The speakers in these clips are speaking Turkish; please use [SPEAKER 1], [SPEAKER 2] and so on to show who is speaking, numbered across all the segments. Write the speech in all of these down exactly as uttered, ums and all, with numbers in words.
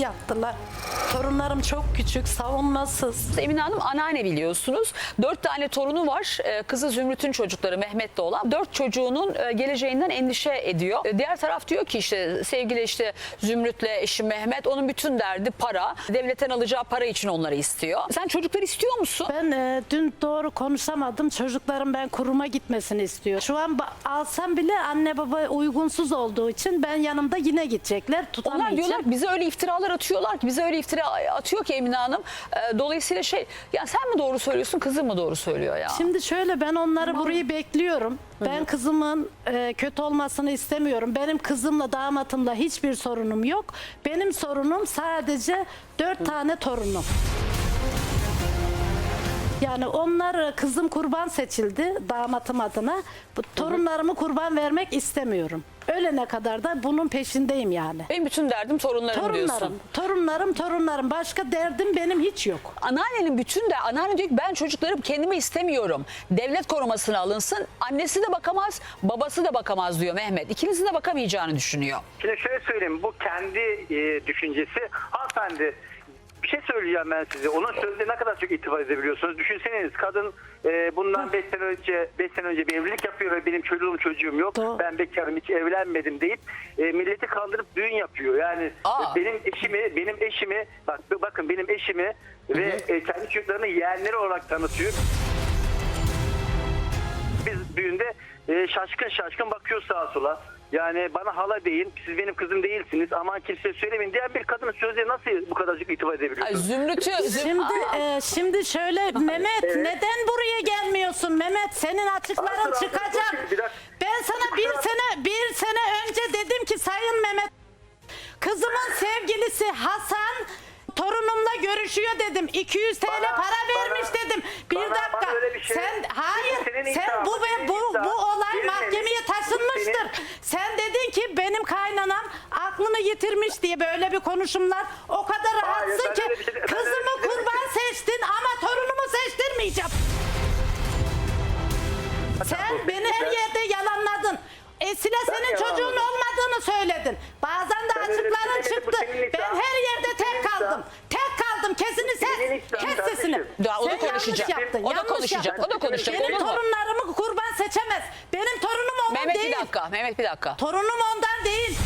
[SPEAKER 1] yaptılar. Torunlarım çok küçük, savunmasız.
[SPEAKER 2] Emine Hanım anneanne biliyorsunuz. Dört tane torunu var. Ee, Kızı Zümrüt'ün çocukları Mehmet'le olan. Dört çocuğunun e, geleceğinden endişe ediyor. E, Diğer taraf diyor ki işte sevgili işte Zümrüt'le eşi Mehmet, onun bütün derdi para. Devletten alacağı para için onları istiyor. Sen çocukları istiyor musun?
[SPEAKER 1] Ben e, dün doğru konuşamadım. Çocuklarım ben kuruma gitmesini istiyor. Şu an ba- alsam bile anne baba uygunsuz olduğu için ben yanımda yine gidecekler.
[SPEAKER 2] Onlar
[SPEAKER 1] Tutamayacağım.
[SPEAKER 2] diyorlar ki bize öyle iftiralar atıyorlar ki bize öyle iftira atıyor ki Emine Hanım. E, Dolayısıyla şey ya sen mi doğru söylüyorsun, kızın mı doğru söylüyor ya?
[SPEAKER 1] Şimdi şöyle, ben onları burayı bekliyorum. Ben kızımın e, kötü olmasını istemiyorum. Benim kızımla damatımla hiçbir sorunum yok. Benim sorunum sadece dört tane torunum. Yani onlar, kızım kurban seçildi damatım adına. Bu torunlarımı kurban vermek istemiyorum. Ölene kadar da bunun peşindeyim yani.
[SPEAKER 2] Benim bütün derdim torunlarım,
[SPEAKER 1] Torunlarım,
[SPEAKER 2] diyorsun.
[SPEAKER 1] torunlarım, torunlarım. Başka derdim benim hiç yok.
[SPEAKER 2] Anneannenin bütün de anneanne diyor ki ben çocukları kendime istemiyorum. Devlet korumasına alınsın. Annesi de bakamaz, babası da bakamaz diyor Mehmet. İkinizin de bakamayacağını düşünüyor.
[SPEAKER 3] Şimdi şöyle söyleyeyim, bu kendi e, düşüncesi. Hanımefendi, bir şey söyleyeceğim ben size. Onun sözüne ne kadar çok itibar edebiliyorsunuz? Düşünseniz, kadın e, bundan beş sene önce beş sene önce bir evlilik yapıyor ve benim çocuğum çocuğum yok.
[SPEAKER 1] Doğru.
[SPEAKER 3] Ben bekarım, hiç evlenmedim deyip e, milleti kandırıp düğün yapıyor. Yani
[SPEAKER 2] Aa.
[SPEAKER 3] benim eşimi, benim eşimi bak bakın benim eşimi ve e, kendi çocuklarını yeğenleri olarak tanıtıyor. Biz düğünde e, şaşkın şaşkın bakıyor sağa sola. Yani bana hala deyin, siz benim kızım değilsiniz, aman kimseye söylemeyin diyen bir kadının sözlerine nasıl bu kadarcık itibar
[SPEAKER 2] Ay,
[SPEAKER 3] edebiliyorsunuz?
[SPEAKER 2] Zümrüt'ü... Züm-
[SPEAKER 1] Şimdi
[SPEAKER 2] Aa.
[SPEAKER 1] e, şimdi şöyle Mehmet,
[SPEAKER 3] Evet.
[SPEAKER 1] neden buraya gelmiyorsun Mehmet? Senin açıkların
[SPEAKER 3] Asıl- asıl-
[SPEAKER 1] çıkacak.
[SPEAKER 3] bakın, bir dakika.
[SPEAKER 1] Ben sana bir
[SPEAKER 3] Kusura-
[SPEAKER 1] sene bir sene önce dedim ki Sayın Mehmet, kızımın sevgilisi Hasan torunumla görüşüyor dedim. iki yüz TL
[SPEAKER 3] Bana-
[SPEAKER 1] para vermiş
[SPEAKER 3] bana-
[SPEAKER 1] dedim. Bir
[SPEAKER 3] bana-
[SPEAKER 1] dakika.
[SPEAKER 3] bana öyle bir şey-
[SPEAKER 1] Sen hayır.
[SPEAKER 3] Senin
[SPEAKER 1] Sen
[SPEAKER 3] iddian,
[SPEAKER 1] bu
[SPEAKER 3] senin
[SPEAKER 1] ve bu
[SPEAKER 3] iddian.
[SPEAKER 1] bu olay
[SPEAKER 3] Benim-
[SPEAKER 1] mahkemeye
[SPEAKER 3] bu
[SPEAKER 1] taşınmıştır.
[SPEAKER 3] senin-
[SPEAKER 1] Sen dedin ki benim kaynanam aklını yitirmiş diye böyle bir konuşumlar. O kadar
[SPEAKER 3] Hayır,
[SPEAKER 1] rahatsın
[SPEAKER 3] ben
[SPEAKER 1] ki
[SPEAKER 3] öyle bir şey- ben öyle bir
[SPEAKER 1] kızımı
[SPEAKER 3] şey demedim
[SPEAKER 1] kurban
[SPEAKER 3] ki.
[SPEAKER 1] seçtin ama torunumu seçtirmeyeceğim. Sen beni her yerde yalanladın. Esile
[SPEAKER 3] Ben
[SPEAKER 1] senin çocuğun
[SPEAKER 3] yalanladım.
[SPEAKER 1] olmadığını söyledin. Bazen de
[SPEAKER 3] Ben öyle bir şey
[SPEAKER 1] açıkların
[SPEAKER 3] demedim, bu
[SPEAKER 1] çıktı.
[SPEAKER 3] senin iddian.
[SPEAKER 1] Ben her yerde
[SPEAKER 3] Bu senin
[SPEAKER 1] tek kaldım.
[SPEAKER 3] iddian.
[SPEAKER 1] Tek kaldım. Kesini
[SPEAKER 3] senin
[SPEAKER 1] ses.
[SPEAKER 3] iddian
[SPEAKER 1] Kes
[SPEAKER 3] kardeşim.
[SPEAKER 1] sesini.
[SPEAKER 2] Ya, o da
[SPEAKER 1] Sen yanlış
[SPEAKER 2] konuşacak.
[SPEAKER 1] yaptın,
[SPEAKER 2] O da
[SPEAKER 1] yanlış
[SPEAKER 2] konuşacak,
[SPEAKER 1] yaptın.
[SPEAKER 2] o da konuşacak,
[SPEAKER 1] Benim
[SPEAKER 2] olur mu?
[SPEAKER 1] torunlarımı kurban seçemez. Benim torunum onun
[SPEAKER 2] Mehmet
[SPEAKER 1] değil.
[SPEAKER 2] bir dakika, Mehmet bir dakika.
[SPEAKER 1] Torunum ondan değil.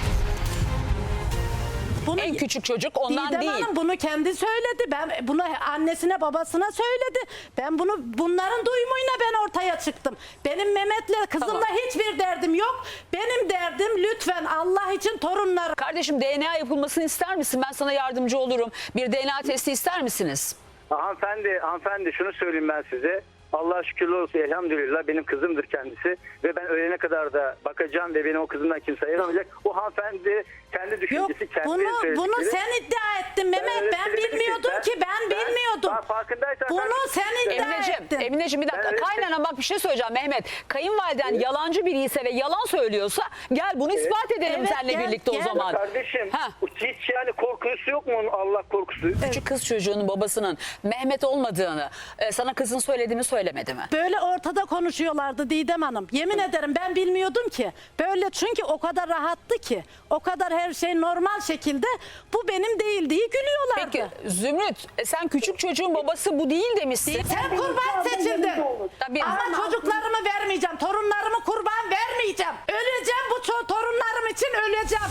[SPEAKER 1] Bunu
[SPEAKER 2] En küçük çocuk ondan
[SPEAKER 1] Didem
[SPEAKER 2] değil.
[SPEAKER 1] Hanım bunu kendi söyledi. Ben bunu annesine babasına söyledi. Ben bunu bunların duyumuyla ben ortaya çıktım. Benim Mehmet'le kızımla
[SPEAKER 2] Tamam.
[SPEAKER 1] hiçbir derdim yok. Benim derdim lütfen Allah için torunlarım.
[SPEAKER 2] Kardeşim D N A yapılmasını ister misin? Ben sana yardımcı olurum. Bir D N A testi ister misiniz?
[SPEAKER 3] Hanımefendi, hanımefendi şunu söyleyeyim ben size. Allah'a şükürler olsun, elhamdülillah benim kızımdır kendisi. Ve ben ölene kadar da bakacağım ve beni o kızımdan kimse ayıramayacak. O hanımefendi kendi
[SPEAKER 1] Yok
[SPEAKER 3] düşüncesi, kendi
[SPEAKER 1] bunu bunu
[SPEAKER 3] söyledikleri.
[SPEAKER 1] sen iddia ettin Mehmet.
[SPEAKER 3] öyle
[SPEAKER 1] Ben
[SPEAKER 3] söylemedim ki.
[SPEAKER 1] bilmiyordum
[SPEAKER 3] Ben-
[SPEAKER 1] ki ben
[SPEAKER 3] ben-
[SPEAKER 1] bilmiyordum.
[SPEAKER 3] ben farkındaysan ben-
[SPEAKER 1] Bunu sen iddia
[SPEAKER 2] Emineciğim,
[SPEAKER 1] ettin.
[SPEAKER 2] Emineciğim bir dakika.
[SPEAKER 3] Ben öyle-
[SPEAKER 2] Kaynana bak bir şey söyleyeceğim Mehmet. Kayınvaliden yalancı biri ise ve yalan söylüyorsa gel bunu ispat edelim
[SPEAKER 1] Evet,
[SPEAKER 2] seninle
[SPEAKER 1] gel,
[SPEAKER 2] birlikte
[SPEAKER 1] gel.
[SPEAKER 2] o zaman.
[SPEAKER 3] Kardeşim
[SPEAKER 2] Ha.
[SPEAKER 3] hiç yani korkusu yok mu onun, Allah korkusu?
[SPEAKER 2] Küçük kız çocuğunun babasının Mehmet olmadığını e, sana kızın söyledi mi söylemedi mi?
[SPEAKER 1] Böyle ortada konuşuyorlardı Didem Hanım. Yemin ederim ben bilmiyordum ki. Böyle çünkü o kadar rahattı ki. O kadar her şey normal şekilde bu benim değil diye gülüyorlardı.
[SPEAKER 2] Peki Zümrüt e, sen küçük çocuğun babası bu değil demişsin.
[SPEAKER 1] Sen kurban seçildin.
[SPEAKER 2] Tabii.
[SPEAKER 1] Ama çocuklarımı vermeyeceğim. Torunlarımı kurban vermeyeceğim. Öleceğim bu ço- torunlarım için öleceğim.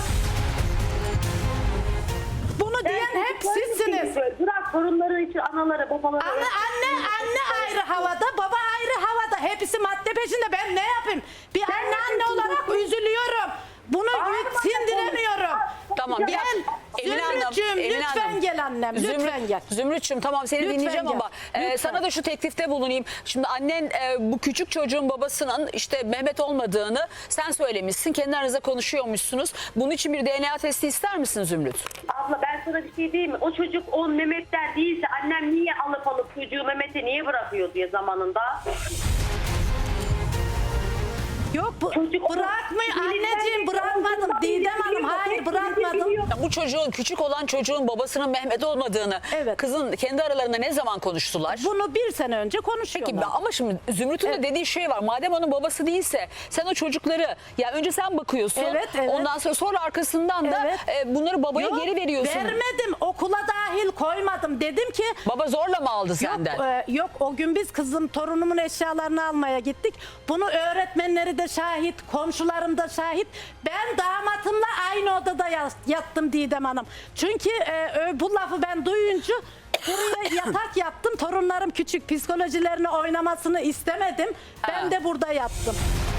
[SPEAKER 1] Bunu diyen hep sizsiniz.
[SPEAKER 4] Bırak torunları için anaları babaları.
[SPEAKER 1] Anne, anne, anne ayrı havada, baba ayrı havada. Hepsi madde peşinde. Ben ne yapayım? Bir anne anne olarak üzülüyorum. Bunu sindiremiyorum.
[SPEAKER 2] Tamam, bir
[SPEAKER 1] Gel.
[SPEAKER 2] Emine Hanım,
[SPEAKER 1] Zümrüt'cüğüm
[SPEAKER 2] Emine
[SPEAKER 1] lütfen
[SPEAKER 2] Hanım.
[SPEAKER 1] gel annem. Lütfen
[SPEAKER 2] Zümrüt,
[SPEAKER 1] gel.
[SPEAKER 2] Zümrüt'cüğüm tamam seni
[SPEAKER 1] Lütfen
[SPEAKER 2] dinleyeceğim
[SPEAKER 1] gel.
[SPEAKER 2] ama e,
[SPEAKER 1] Lütfen.
[SPEAKER 2] sana da şu teklifte bulunayım. Şimdi annen e, bu küçük çocuğun babasının işte Mehmet olmadığını sen söylemişsin. Kendi aranızda konuşuyormuşsunuz. Bunun için bir D N A testi ister misin Zümrüt?
[SPEAKER 4] Abla ben sana bir şey diyeyim mi? O çocuk o Mehmet'ten değilse annem niye alıp alıp çocuğu Mehmet'e niye bırakıyor diye zamanında.
[SPEAKER 1] Yok bu,
[SPEAKER 4] Çocuk-
[SPEAKER 1] bırakmıyor
[SPEAKER 4] Çocuk-
[SPEAKER 1] anneciğim, bırakmadım
[SPEAKER 4] Çocuk-
[SPEAKER 1] Didem Hanım, hayır bırakmadım.
[SPEAKER 2] Bu çocuğun, küçük olan çocuğun babasının Mehmet olmadığını
[SPEAKER 1] Evet.
[SPEAKER 2] kızın kendi aralarında ne zaman konuştular?
[SPEAKER 1] Bunu bir sene önce konuşuyorlar.
[SPEAKER 2] Peki ama şimdi Zümrüt'ün de dediği şey var. Madem onun babası değilse sen o çocukları ya önce sen bakıyorsun.
[SPEAKER 1] Evet, evet.
[SPEAKER 2] Ondan sonra sonra arkasından da
[SPEAKER 1] Evet.
[SPEAKER 2] e, bunları babaya
[SPEAKER 1] Yok,
[SPEAKER 2] geri veriyorsun.
[SPEAKER 1] Vermedim, okula dahil koymadım. Dedim ki
[SPEAKER 2] Baba zorla mı aldı senden?
[SPEAKER 1] Yok, e, yok o gün biz kızım torunumun eşyalarını almaya gittik. Bunu öğretmenleri de şahit, komşularım da şahit. Ben damatımla aynı odada yas- yattım Didem Hanım. Çünkü e, ö- bu lafı ben duyunca buraya yatak yaptım. Torunlarım küçük, psikolojilerini oynamasını istemedim. Ben
[SPEAKER 2] Ha.
[SPEAKER 1] de burada yattım.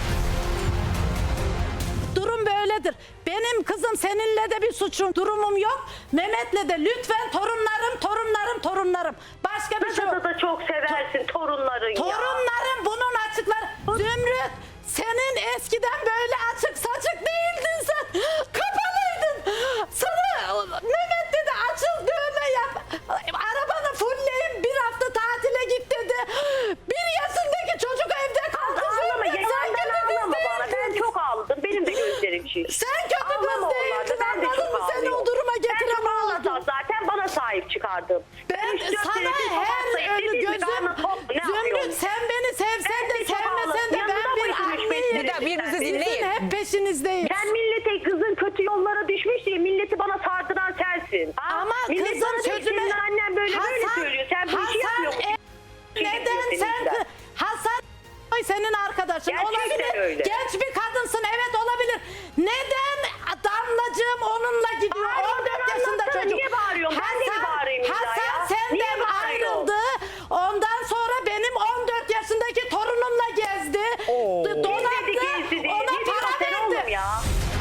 [SPEAKER 1] Durum böyledir. Benim kızım seninle de bir suçum, durumum yok. Mehmet'le de lütfen torunlarım, torunlarım, torunlarım. Başka bir şey yok.
[SPEAKER 4] Kızı da çok seversin torunların ya.
[SPEAKER 1] Torunlarım bunun açıkları. Zümrüt, senin eskiden böyle açık saçık değildin sen. Kapalıydın. Sana Mehmet dedi açıl dövme yap. Arabanı fullleyip bir hafta tatile git dedi. Bir yaşındaki çocuk evde kaldı.
[SPEAKER 4] Ağlama,
[SPEAKER 1] Zümrüt, sen
[SPEAKER 4] yalandan
[SPEAKER 1] kötü kız
[SPEAKER 4] ağlama bana. Ben
[SPEAKER 1] değildin.
[SPEAKER 4] çok ağladım. Benim de gözlerim şiş.
[SPEAKER 1] Sen kötü kız
[SPEAKER 4] Ağlama onlarda,
[SPEAKER 1] değildin,
[SPEAKER 4] ben de
[SPEAKER 1] anladın
[SPEAKER 4] çok
[SPEAKER 1] mı? Seni
[SPEAKER 4] ağlıyorum.
[SPEAKER 1] o duruma
[SPEAKER 4] Ben
[SPEAKER 1] getiren
[SPEAKER 4] çok
[SPEAKER 1] ağladın.
[SPEAKER 4] ağlasam zaten bana sahip çıkardım.
[SPEAKER 1] Ben
[SPEAKER 4] üç dört
[SPEAKER 1] sana
[SPEAKER 4] senedir
[SPEAKER 1] her
[SPEAKER 4] sokakta
[SPEAKER 1] ölü
[SPEAKER 4] evliyim,
[SPEAKER 1] gözüm
[SPEAKER 4] karnı tok mu, ne
[SPEAKER 1] Zümrüt
[SPEAKER 4] yapıyorsun?
[SPEAKER 1] sen beni sevsen
[SPEAKER 4] Ben
[SPEAKER 1] de
[SPEAKER 4] de çok
[SPEAKER 1] sevmesen de
[SPEAKER 4] ağladım.
[SPEAKER 1] ben
[SPEAKER 4] Yanında
[SPEAKER 1] bir
[SPEAKER 4] mıydın üç beş
[SPEAKER 1] anneyim.
[SPEAKER 2] sene? Birinizi
[SPEAKER 1] Sizin
[SPEAKER 2] dinleyin.
[SPEAKER 1] hep peşinizdeyim.
[SPEAKER 4] Sen millete kızın kötü yollara düşmüş diye milleti bana sardıran sensin. Ha?
[SPEAKER 1] Ama
[SPEAKER 4] Millet
[SPEAKER 1] kızım
[SPEAKER 4] bana diyor ki,
[SPEAKER 1] sözüme...
[SPEAKER 4] senin annen böyle böyle söylüyor. Sen bu işi yapıyorsun.
[SPEAKER 1] e, neden sen... Hasan Oy senin arkadaşın
[SPEAKER 4] Gerçekten
[SPEAKER 1] olabilir.
[SPEAKER 4] öyle.
[SPEAKER 1] Genç bir kadınsın, evet olabilir. Neden Damlacığım onunla gidiyor?
[SPEAKER 4] Bağırmadan
[SPEAKER 1] on dört yaşında
[SPEAKER 4] anlatsana,
[SPEAKER 1] çocuk.
[SPEAKER 4] niye bağırıyorsun? Ben de mi bağırayım illa
[SPEAKER 1] Hasan
[SPEAKER 4] ya?
[SPEAKER 1] senden
[SPEAKER 4] Niye bağırıyorsun?
[SPEAKER 1] ayrıldı. Ondan sonra benim on dört yaşındaki torunumla gezdi.
[SPEAKER 2] Oo.
[SPEAKER 1] D- Donattı.
[SPEAKER 4] Gezdi gezdi diye.
[SPEAKER 1] Ona
[SPEAKER 4] Ne diyorsun
[SPEAKER 1] para
[SPEAKER 4] sen oğlum
[SPEAKER 1] verdi.
[SPEAKER 4] ya?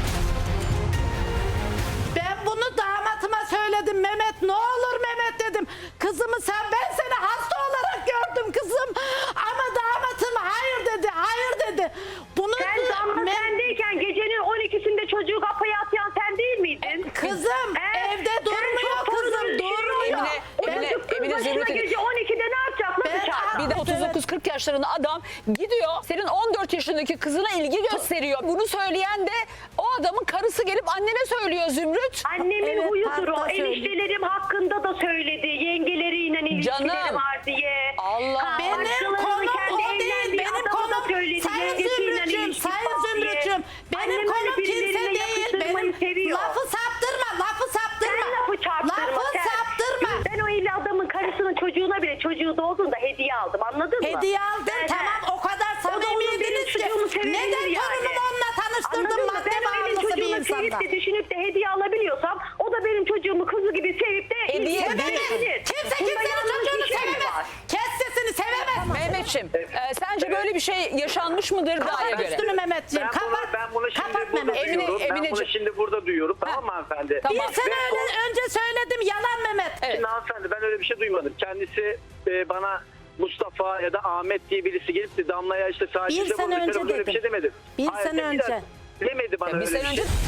[SPEAKER 1] Ben bunu damatıma söyledim. Mehmet ne olur Mehmet dedim. Kızımı sen, ben seni hasta olarak gördüm kızım. Ama damatım hayır dedi. Hayır dedi. Bunu
[SPEAKER 4] Sen damla
[SPEAKER 1] Me-
[SPEAKER 4] sendeyken gecenin on ikisinde çocuğu kapıya atayan sen değil miydin?
[SPEAKER 1] Kızım
[SPEAKER 4] He?
[SPEAKER 1] evde
[SPEAKER 4] Sen
[SPEAKER 1] durmuyor
[SPEAKER 4] çok
[SPEAKER 1] kızım,
[SPEAKER 4] fazla şey
[SPEAKER 1] durmuyor.
[SPEAKER 2] Emine-
[SPEAKER 4] O
[SPEAKER 2] Emine-
[SPEAKER 4] çocuk kız
[SPEAKER 2] Emine
[SPEAKER 4] başına
[SPEAKER 2] Zümrüt'ün-
[SPEAKER 4] gece on ikide ne yapacak? Nasıl
[SPEAKER 1] Ben-
[SPEAKER 4] çağıracak?
[SPEAKER 2] Bir de
[SPEAKER 1] Evet.
[SPEAKER 2] otuz dokuz kırk yaşlarında adam gidiyor senin on dört yaşındaki kızına ilgi gösteriyor. Bunu söyleyen de o adamın karısı gelip annene söylüyor Zümrüt.
[SPEAKER 4] Annemin
[SPEAKER 1] Evet,
[SPEAKER 4] huyudur o.
[SPEAKER 1] hatta söyledi.
[SPEAKER 4] Eniştelerim hakkında da söyledi. Yengeleriyle ilişkileri
[SPEAKER 2] Canım.
[SPEAKER 4] var diye.
[SPEAKER 2] Allah.
[SPEAKER 4] Ha,
[SPEAKER 1] Benim
[SPEAKER 4] başkalarının
[SPEAKER 1] konum
[SPEAKER 4] kendi
[SPEAKER 1] o değil.
[SPEAKER 4] evlendiği
[SPEAKER 1] Benim
[SPEAKER 4] adama da
[SPEAKER 1] konum
[SPEAKER 4] söyledi.
[SPEAKER 1] Sayın
[SPEAKER 4] Yengesiyle
[SPEAKER 1] Zümrüt'cüm,
[SPEAKER 4] ilişkisi
[SPEAKER 1] Sayın
[SPEAKER 4] var diye.
[SPEAKER 1] Zümrüt'cüm. Benim
[SPEAKER 4] Annem öyle
[SPEAKER 1] konum kimse
[SPEAKER 4] birilerine
[SPEAKER 1] değil.
[SPEAKER 4] yakıştırmayı
[SPEAKER 1] Benim
[SPEAKER 4] seviyor.
[SPEAKER 1] lafı saptırma, lafı saptırma.
[SPEAKER 4] Sen lafı çarptırma.
[SPEAKER 1] Lafı
[SPEAKER 4] sen.
[SPEAKER 1] saptırma.
[SPEAKER 4] Ben o evli adamın karısının çocuğuna bile çocuğu doğduğunda hediye aldım, anladın mı?
[SPEAKER 1] Hediye aldın,
[SPEAKER 4] Ben-
[SPEAKER 1] tamam, o kadar
[SPEAKER 4] O da onun
[SPEAKER 1] samimiydiniz
[SPEAKER 4] benim
[SPEAKER 1] ki.
[SPEAKER 4] çocuğumu sevebilir
[SPEAKER 1] Neden
[SPEAKER 4] yani.
[SPEAKER 1] torunumu onunla tanıştırdın
[SPEAKER 4] Anladın mı?
[SPEAKER 1] madde
[SPEAKER 4] Ben o evin
[SPEAKER 1] bağımlısı bir
[SPEAKER 4] çocuğunu sevip
[SPEAKER 1] insanla?
[SPEAKER 4] de düşünüp de hediye alabiliyorsam o da benim çocuğumu kızı gibi sevip de
[SPEAKER 2] Hediye
[SPEAKER 4] ilgilenir.
[SPEAKER 2] değil.
[SPEAKER 1] Kimse
[SPEAKER 4] Bunda
[SPEAKER 1] kimsenin
[SPEAKER 4] yanlış
[SPEAKER 1] çocuğunu
[SPEAKER 4] bir şey mi
[SPEAKER 1] sevemez.
[SPEAKER 4] var?
[SPEAKER 1] Kes sesini, sevemez.
[SPEAKER 2] Mehmetçim e, sence böyle bir şey yaşanmış mıdır Da'ya
[SPEAKER 1] Kapat
[SPEAKER 2] göre?
[SPEAKER 1] üstünü Mehmetciğim,
[SPEAKER 3] Ben bunu,
[SPEAKER 1] kapat.
[SPEAKER 3] ben bunu şimdi
[SPEAKER 1] Kapat
[SPEAKER 3] burada
[SPEAKER 1] Mehmet.
[SPEAKER 2] Emine-
[SPEAKER 3] duyuyorum. ben bunu
[SPEAKER 2] Emineciğim.
[SPEAKER 3] şimdi burada duyuyorum. Tamam mı hanımefendi?
[SPEAKER 2] Tamam.
[SPEAKER 1] Bir sene
[SPEAKER 3] Ve
[SPEAKER 1] öyle, önce söyledim, yalan Mehmet.
[SPEAKER 2] Evet.
[SPEAKER 3] Şimdi hanımefendi ben öyle bir şey duymadım. Kendisi e, bana Mustafa ya da Ahmet diye birisi gelip de Damla'ya işte
[SPEAKER 1] Bir
[SPEAKER 3] sahipte
[SPEAKER 1] sene
[SPEAKER 3] bulmuş.
[SPEAKER 1] önce
[SPEAKER 3] Öyle bir
[SPEAKER 1] dedim.
[SPEAKER 3] şey demedim.
[SPEAKER 1] Bir
[SPEAKER 3] Hayır,
[SPEAKER 1] sene
[SPEAKER 3] dediler.
[SPEAKER 1] önce.
[SPEAKER 3] Demedi bana
[SPEAKER 2] Bir
[SPEAKER 3] öyle
[SPEAKER 2] sene
[SPEAKER 3] bir
[SPEAKER 2] önce
[SPEAKER 3] şey.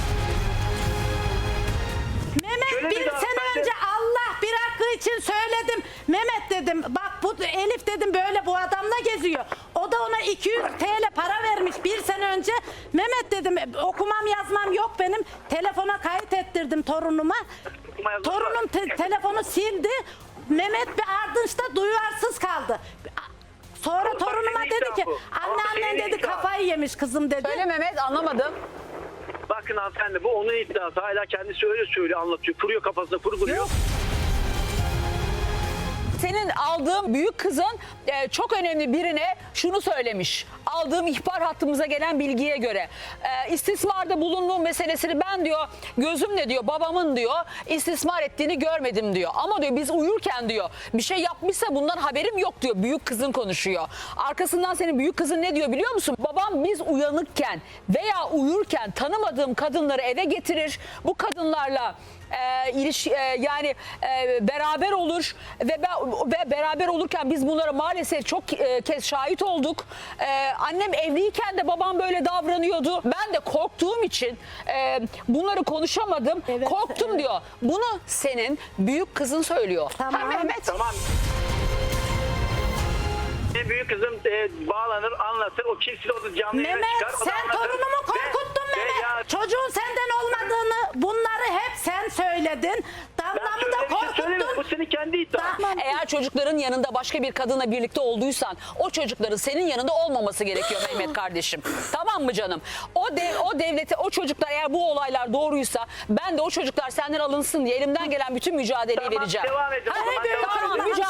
[SPEAKER 1] Mehmet
[SPEAKER 3] Şöyle
[SPEAKER 1] bir
[SPEAKER 3] bir daha
[SPEAKER 1] sene
[SPEAKER 3] ben de-
[SPEAKER 1] önce Allah bir hakkı için söyledim. Mehmet dedim, bak bu Elif dedim böyle bu adamla geziyor. O da ona iki yüz TL para vermiş bir sene önce. Mehmet dedim okumam yazmam yok benim. Telefona kayıt ettirdim torunuma.
[SPEAKER 3] Okuma yazması
[SPEAKER 1] Torunum
[SPEAKER 3] var.
[SPEAKER 1] te- telefonu sildi. Mehmet bir ardınçta duyarsız kaldı. Sonra
[SPEAKER 3] Bak,
[SPEAKER 1] torunuma
[SPEAKER 3] senin
[SPEAKER 1] dedi ki
[SPEAKER 3] iddian bu.
[SPEAKER 1] anne
[SPEAKER 3] Ama
[SPEAKER 1] annen
[SPEAKER 3] senin
[SPEAKER 1] dedi
[SPEAKER 3] iddian.
[SPEAKER 1] kafayı yemiş kızım dedi.
[SPEAKER 2] Söyle Mehmet, anlamadım.
[SPEAKER 3] Bakın hanımefendi bu onun iddiası. Hala kendisi öyle söylüyor, anlatıyor. Kuruyor kafasına, kurguluyor.
[SPEAKER 1] Yok.
[SPEAKER 2] Senin aldığın büyük kızın e, çok önemli birine şunu söylemiş. Aldığım ihbar hattımıza gelen bilgiye göre e, istismarda bulunduğum meselesini ben diyor gözümle diyor babamın diyor istismar ettiğini görmedim diyor. Ama diyor biz uyurken diyor bir şey yapmışsa bundan haberim yok diyor. Büyük kızın konuşuyor. Arkasından senin büyük kızın ne diyor biliyor musun? Babam biz uyanıkken veya uyurken tanımadığım kadınları eve getirir. Bu kadınlarla e, iliş, e, yani e, beraber olur ve, be, ve beraber olurken biz bunlara maalesef çok e, kez şahit olduk. E, annem evliyken de babam böyle davranıyordu. Ben de korktuğum için e, bunları konuşamadım.
[SPEAKER 1] Evet,
[SPEAKER 2] Korktum
[SPEAKER 1] evet.
[SPEAKER 2] diyor. Bunu senin büyük kızın söylüyor.
[SPEAKER 1] Tamam.
[SPEAKER 2] Ha, Mehmet.
[SPEAKER 3] Tamam. Benim büyük kızım e, bağlanır, anlatır. O kimse o da canlı yayına
[SPEAKER 1] Mehmet
[SPEAKER 3] çıkar. o da
[SPEAKER 1] sen
[SPEAKER 3] anlatır.
[SPEAKER 1] torunumu
[SPEAKER 3] Ve-
[SPEAKER 1] korkuttun
[SPEAKER 3] ve
[SPEAKER 1] Mehmet.
[SPEAKER 3] ya-
[SPEAKER 1] Çocuğun senden olmadığını bunları hep sen söyledin.
[SPEAKER 3] Ben
[SPEAKER 1] Damlamı da
[SPEAKER 3] şöyle bir şey söyleyeyim. Bu
[SPEAKER 1] korkuttun.
[SPEAKER 3] senin kendi iddian.
[SPEAKER 1] Tamam.
[SPEAKER 2] Eğer çocukların yanında başka bir kadınla birlikte olduysan o çocukların senin yanında olmaması gerekiyor Mehmet kardeşim. Tamam mı canım? O dev, o devlete o çocuklar eğer bu olaylar doğruysa ben de o çocuklar senden alınsın diye elimden gelen bütün mücadeleyi
[SPEAKER 3] Tamam,
[SPEAKER 2] vereceğim.
[SPEAKER 3] devam edin. O
[SPEAKER 2] Hayır,
[SPEAKER 3] zaman devam
[SPEAKER 2] tamam,
[SPEAKER 3] edin.